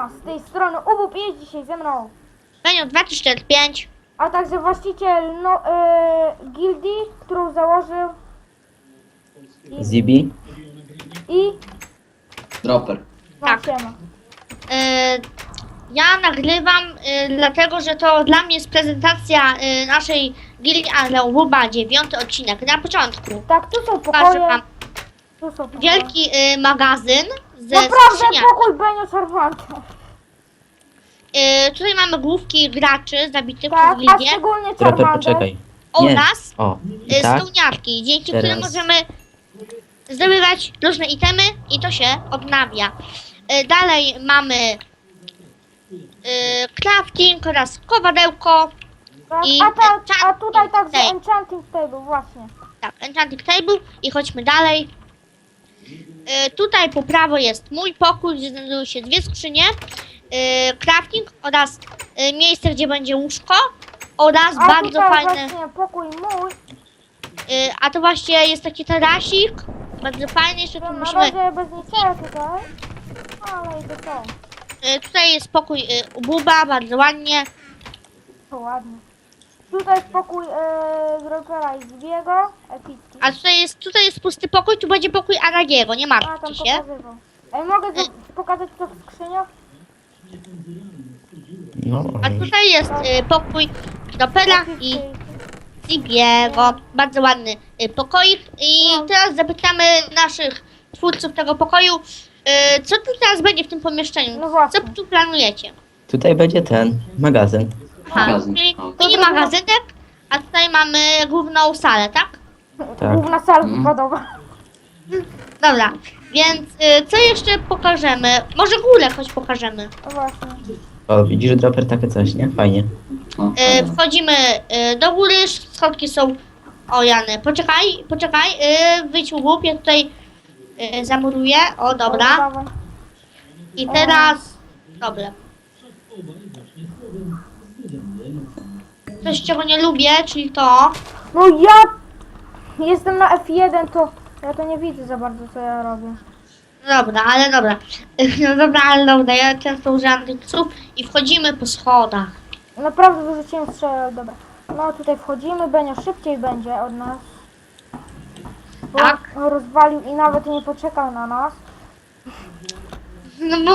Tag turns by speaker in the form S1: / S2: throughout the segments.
S1: z tej strony Ubub jest dzisiaj ze mną.
S2: Benio 2345.
S1: A także właściciel gildii, którą założył
S3: Zibi?
S1: i
S4: Dropper.
S1: no,
S2: Tak.
S1: siema.
S2: Ja nagrywam, dlatego że to dla mnie jest prezentacja naszej gildii, ale Ububa 9 odcinek. Na początku
S1: Tak, tu są
S2: pokażę
S1: pokoje.
S2: wam
S1: Tu są pokoje.
S2: wielki magazyn ze
S1: Naprawdę
S2: skrzyniami.
S1: pokój Benio Charmanta.
S2: Tutaj mamy główki graczy zabitych
S1: Tak,
S2: przez
S1: a
S2: gildię
S1: szczególnie
S3: Dropper,
S1: Charmander.
S3: poczekaj. Nie.
S2: oraz
S3: O, i tak?
S2: spełniarki, dzięki
S3: Teraz.
S2: którym możemy zdobywać różne itemy i to się odnawia. Dalej mamy crafting oraz kowadełko.
S1: Tak,
S2: I
S1: a tutaj także
S2: table.
S1: enchanting table, właśnie.
S2: Tak, enchanting table i chodźmy dalej. Tutaj po prawo jest mój pokój, gdzie znajdują się dwie skrzynie. Crafting oraz miejsce, gdzie będzie łóżko oraz
S1: A
S2: bardzo
S1: tutaj
S2: fajne.
S1: właśnie pokój mój.
S2: A to właśnie jest taki tarasik. Bardzo fajny, jeszcze tu
S1: Na
S2: musimy.
S1: razie bez niczego tutaj. Ale i to są.
S2: Tutaj jest pokój Ububa, bardzo ładnie.
S1: To ładnie. Tutaj jest pokój Dropera i Zbiego. Epicki.
S2: A tutaj jest pusty pokój, tu będzie pokój Aragiego, nie
S1: A tam
S2: martwcie się.
S1: pokazywał. Ej, mogę pokazać co w skrzyniach?
S3: No,
S2: A tutaj jest pokój Dropera i Zibiego. Bardzo ładny pokoik. I teraz zapytamy naszych twórców tego pokoju, co tu teraz będzie w tym pomieszczeniu?
S1: No właśnie.
S2: Co tu planujecie?
S3: tutaj będzie ten magazyn.
S2: Aha,
S4: Magazyn.
S2: czyli
S4: O.
S2: mini magazynek, a tutaj mamy główną salę, tak?
S3: Tak.
S1: Główna sala wypadowa.
S2: Dobra, więc co jeszcze pokażemy? Może górę choć pokażemy.
S1: No właśnie.
S3: O, widzisz, Dropper, takie coś, nie? Fajnie.
S4: O,
S2: Wchodzimy do góry, schodki są... O Jany, poczekaj, wyjdź łup, ja tutaj zamuruję. O, dobra.
S1: Dawaj.
S2: I teraz... Dobra. Coś, czego nie lubię, czyli to...
S1: No ja jestem na F1, to ja to nie widzę za bardzo co ja robię.
S2: Dobra, ale dobra. No dobra, ale dobra, ja często używam tych psów i wchodzimy po schodach.
S1: Naprawdę wyrzuciłem strzelę, dobra. No tutaj wchodzimy, Benio szybciej będzie od nas. Bo
S2: Tak.
S1: on rozwalił i nawet nie poczekał na nas.
S2: No bo...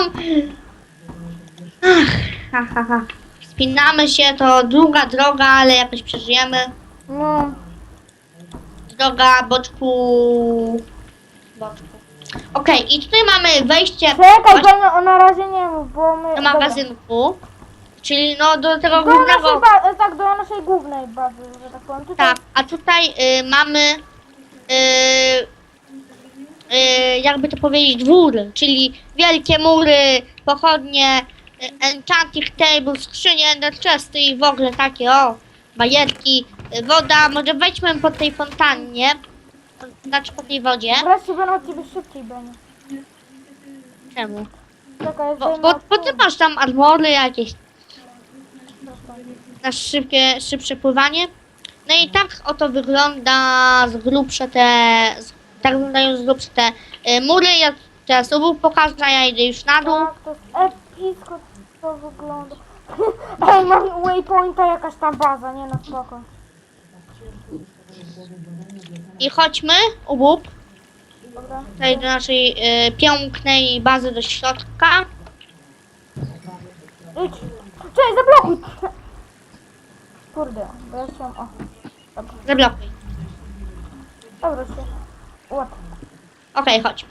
S2: Ach, ha, ha, ha. Wspinamy się, to długa droga, ale jakoś przeżyjemy.
S1: No,
S2: Droga boczku... Okej, i tutaj mamy wejście
S1: czekaj
S2: właśnie
S1: Benio, na razie nie mów, bo my...
S2: do magazynku. Czyli no do tego
S1: Dobra. Do naszej,
S2: głównego...
S1: tak, do naszej głównej bazy, że tak powiem. Tutaj
S2: Tak, a tutaj mamy... jakby to powiedzieć, dwór, czyli wielkie mury, pochodnie, enchanting table, skrzynie enderchesty i w ogóle takie, o, bajerki, woda. Może wejdźmy po tej fontannie, znaczy po tej wodzie.
S1: wreszcie będę od ciebie szybciej, Benio.
S2: Czemu?
S1: Czekaj,
S2: Bo ty masz tam armory jakieś na szybsze pływanie. No i tak oto wygląda z grubsze tak wyglądają z grubsze te mury. Ja teraz Ubóg pokażę, a ja idę już na dół.
S1: Tak, to jest epicko to wygląda. Ej, mam waypointa jakaś tam baza, nie na spoko.
S2: I chodźmy, Ubóg,
S1: Dobra.
S2: tutaj do naszej pięknej bazy do środka.
S1: Idź. Cześć, zablokuj! Kurde, bo ja chciałam... O,
S2: Zablokuj.
S1: dobra się. Łap.
S2: Okej, chodź.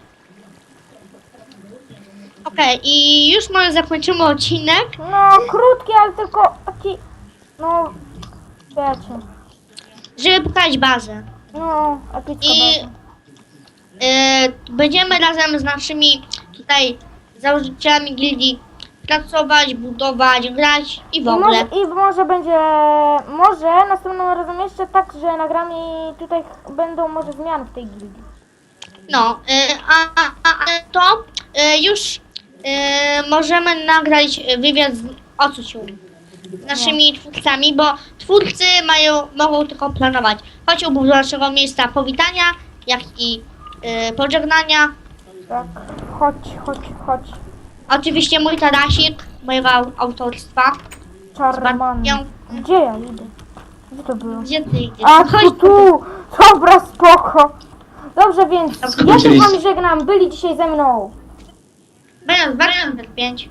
S2: Okej, i już może zakończymy odcinek.
S1: No, krótki, ale tylko taki... No, wiecie.
S2: Żeby pokazać bazę.
S1: No, epicka
S2: I
S1: baza.
S2: będziemy razem z naszymi tutaj założycielami gildii pracować, budować, grać i w ogóle.
S1: I może będzie... Może następnym razem jeszcze tak, że nagramy i tutaj będą może zmiany w tej gildii.
S2: No, ale to już możemy nagrać wywiad z naszymi twórcami, bo twórcy mogą tylko planować. Chodź do naszego miejsca powitania, jak i pożegnania.
S1: Tak, chodź.
S2: Oczywiście mój Tarasik, mojego autorstwa.
S1: Charman.
S2: Ją-
S1: Gdzie ja idę? Gdzie to było?
S2: Gdzie ty idziesz?
S1: A
S2: Chodź
S1: tu! Dobra, spoko. Dobrze, więc
S4: Skąd
S1: ja się
S4: ucięliście?
S1: wam żegnam. Byli dzisiaj ze mną.
S2: Będę 5.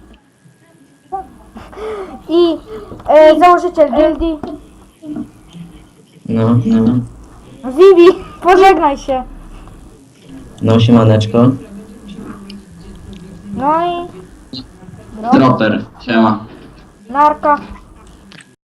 S1: I założyciel gildii.
S3: No,
S1: Vivi, pożegnaj się.
S3: no siemaneczko.
S1: No i...
S4: Dropper, siema.
S1: Narka.